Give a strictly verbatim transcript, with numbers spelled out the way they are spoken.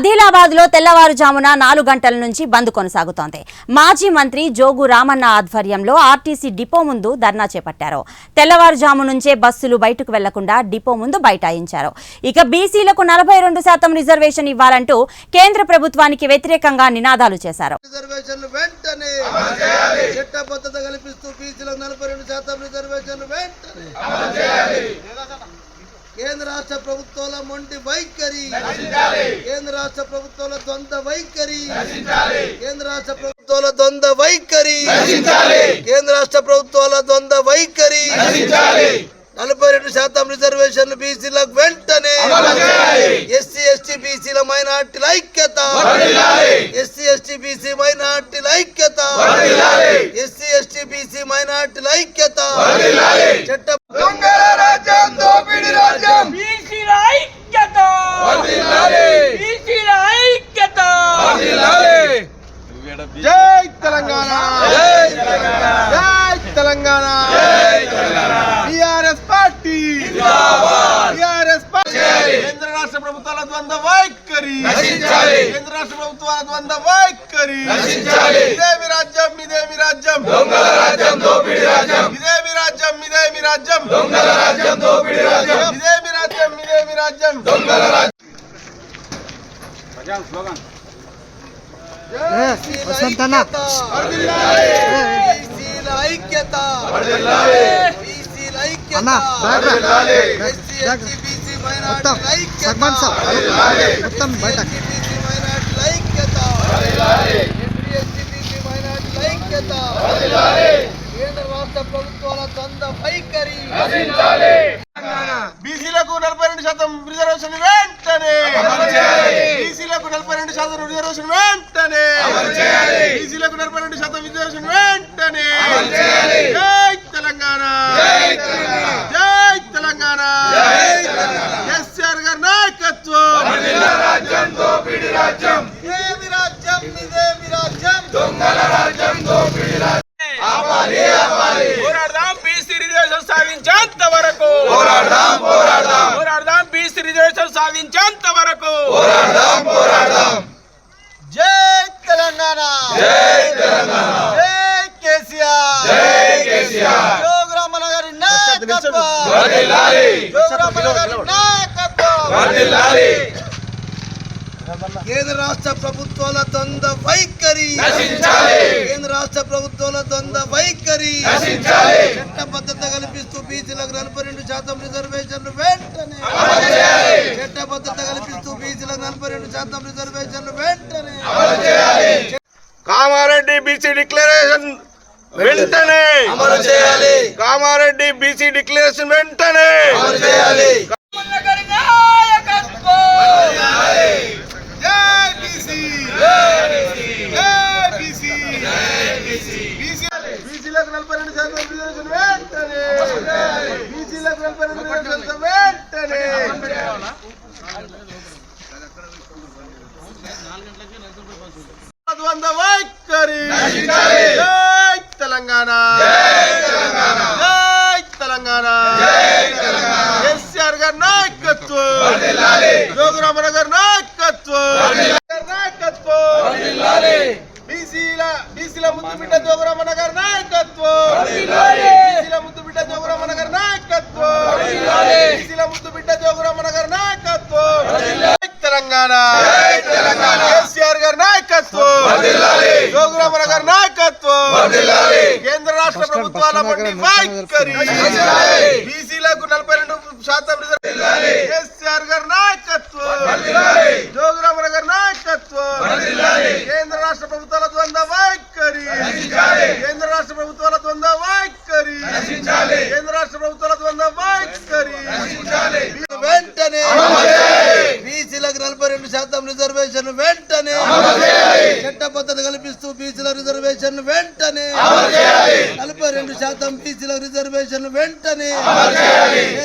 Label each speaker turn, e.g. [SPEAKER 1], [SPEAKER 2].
[SPEAKER 1] ఆదిలాబాద్ లో తెల్లవారుజామున నాలుగు గంటల నుంచి బంద్ కొనసాగుతోంది. మాజీ మంత్రి జోగు రామన్న ఆధ్వర్యంలో ఆర్టీసీ డిపో ముందు ధర్నా చేపట్టారు. తెల్లవారుజాము నుంచే బస్సులు బయటకు వెళ్లకుండా డిపో ముందు బైఠాయించారు. ఇక బీసీలకు నలభై రెండు శాతం రిజర్వేషన్ ఇవ్వాలంటూ కేంద్ర ప్రభుత్వానికి వ్యతిరేకంగా నినాదాలు చేశారు.
[SPEAKER 2] కేంద్ర రాష్ట్ర ప్రభుత్వాల మొండి వైఖరి, కేంద్ర రాష్ట్ర ప్రభుత్వాల ద్వంద్వ వైఖరి, కేంద్ర రాష్ట్ర ప్రభుత్వాల ద్వంద్వ వైఖరి, కేంద్ర రాష్ట్ర ప్రభుత్వాల ద్వంద్వ వైఖరి, నలభై రెండు శాతం రిజర్వేషన్లు బీసీలకు వెంటనే, ఎస్సీ ఎస్టీ బీసీల మైనార్టీల ఐక్యత, ఎస్సీ ఎస్టీ బీసీ మైనార్టీల ఐక్యత, ఎస్సీ ఎస్టీ బీసీ మైనార్టీల ఐక్యత, చట్ట
[SPEAKER 3] జై తెలంగాణ, జై Telangana, TRS party, TRS party. కేంద్ర రాష్ట్ర ప్రభుత్వాల ద్వంద్వ వైఖరి, కేంద్ర రాష్ట్ర ప్రభుత్వాల ద్వంద్వ వైఖరి. ఇదేమి రాజ్యం, ఇదేమి రాజ్యం, దొంగల రాజ్యం, దోపిడీ రాజ్యం. ఇదేమి రాజ్యం, ఇదేమి రాజ్యం, దొంగల రాజ్యం, దోపిడీ రాజ్యం. ఇదేమి రాజ్యం, ఇదేమి రాజ్యం, దొంగల రాజ్యం. ప్రజా స్లోగన్
[SPEAKER 2] వసంతన్న బీసీల ఐక్యత, బీసీల ఐక్యత, ఎస్సీ ఎస్టీ బీసీ మైనార్టీల ఐక్యత, మొత్తం బయట బీసీ మైనార్టీల ఐక్యత, ఎస్సీ ఎస్టీ బీసీ మైనార్టీల ఐక్యత, కేంద్ర రాష్ట్ర ప్రభుత్వాల ద్వంద్వ వైఖరి.
[SPEAKER 3] బీసీలకు నలభై రెండు శాతం రిజర్వేషన్ వెంటనే, బీసీలకు నలభై రెండు శాతం రిజర్వేషన్ వెంటనే, బీసీలకు నలభై రెండు శాతం రిజర్వేషన్ వెంటనే. జై తెలంగాణ, జై తెలంగాణ, కేసీఆర్ గారి నాయకత్వం. ఇదేమి రాజ్యం, ఇదేమి రాజ్యం, దొంగల రాజ్యం, దోపిడీ రాజ్యం. పోరాడదాం బీసీ రిజర్వేషన్ సాధించేంత వరకు, పోరాడదాం పోరాడదాం పోరాడదాం బీసీ రిజర్వేషన్ సాధించేంత వరకు, పోరాడదాం పోరాడదాం. జై తెలంగాణ, జై తెలంగాణ, జై కేసీఆర్, జై కేసీఆర్. జోగు రామన్న గారి నాయకత్వం వర్ధిల్లాలి, జోగు రామన్న గారి నాయకత్వం వర్ధిల్లాలి.
[SPEAKER 2] కేంద్ర రాష్ట్ర ప్రభుత్వాల ద్వంద్వ వైఖరి, కేంద్ర రాష్ట్ర ప్రభుత్వాల ద్వంద్వ వైఖరి, చట్టబద్ధత కల్పిస్తూ బీసీలకు నలభై రెండు శాతం రిజర్వేషన్లు వెంటనే, చట్టబద్ధత కల్పిస్తూ బీసీలకు నలభై రెండు శాతం రిజర్వేషన్లు వెంటనే.
[SPEAKER 3] కామారెడ్డి బీసీ డిక్లరేషన్ వెంటనే అమలు చేయాలి, కామారెడ్డి బీసీ డిక్లరేషన్ వెంటనే అమలు చేయాలి. బీసీలకు నలభై రెండు శాతం రిజర్వేషన్ వెంటనే, బీసీలకు నలభై రెండు శాతం వెంటనే. ద్వంద్వ వైఖరి, జై తెలంగాణ, జై తెలంగాణ, కేసీఆర్ గారి నాయకత్వం, జోగు రామన్న గారి నాయకత్వం, నాయకత్వం. బీసీల బీసీల ముద్దు బిడ్డ జోగు రామన్న గారి నాయకత్వం, బీసీల ముద్దు బిడ్డ జోగు రామన్న గారి నాయకత్వం, బీసీల ముద్దు బిడ్డ జోగు రామన్న గారి నాయకత్వం. తెలంగాణ, కేసీఆర్ గారి నాయకత్వం, జోగు రామన్న గారి నాయకత్వం, కేంద్ర రాష్ట్ర ప్రభుత్వాల మొండి వైఖరి, బీసీలకు నలభై రెండు శాతం రిజర్వేషన్, కేసీఆర్ గారి నాయకత్వం, జోగు రామన్న గారి నాయకత్వం, కేంద్ర రాష్ట్ర ప్రభుత్వాల ద్వంద్వ వైఖరి, కేంద్ర రాష్ట్ర ప్రభుత్వాల ద్వంద్వ వైఖరి, కేంద్ర రాష్ట్ర ప్రభుత్వాల ద్వంద్వ వైఖరి.
[SPEAKER 2] వెంటనే బీసీలకు నలభై రెండు శాతం రిజర్వేషన్ వెంటనే, చట్టబద్ధత కల్పిస్తూ బీసీల రిజర్వేషన్ వెంటనే, నలభై రెండు శాతం బీసీల రిజర్వేషన్ వెంటనే.